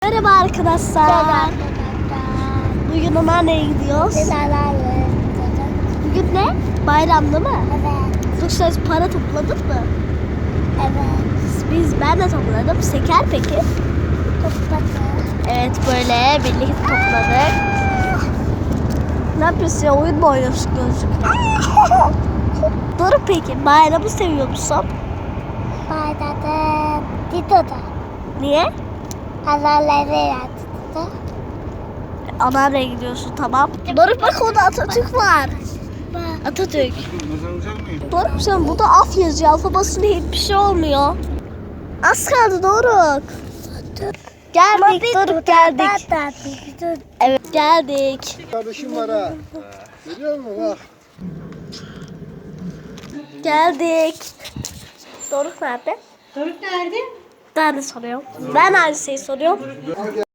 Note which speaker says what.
Speaker 1: Merhaba arkadaşlar. Bugün nereye gidiyoruz? Bugün ne? Bayram değil mi?
Speaker 2: Evet.
Speaker 1: Yoksa para topladın mı?
Speaker 2: Evet.
Speaker 1: Ben de topladım. Şeker peki?
Speaker 2: Topladım.
Speaker 1: Evet, böyle birlikte topladık. Ne yapıyorsun ya? Oyun mu oynuyorsun gözlükle? Doğru peki. Bayramı seviyor musun?
Speaker 2: Bayramda Dido'da.
Speaker 1: Niye?
Speaker 2: Analarla yattı.
Speaker 1: Anneanneye gidiyorsun, tamam. Doruk bak, orada Atatürk var. Atatürk. Doruk sen burada af yazıyor. Alfa basınca hiçbir şey olmuyor. Az kaldı Doruk. Geldik Doruk, geldik. Evet, geldik.
Speaker 3: Kardeşim var ha. Görüyor musun bak.
Speaker 1: Geldik. Doruk nerede?
Speaker 4: Doruk nerede?
Speaker 1: Ben de soruyorum. Ben aynı şeyi soruyorum.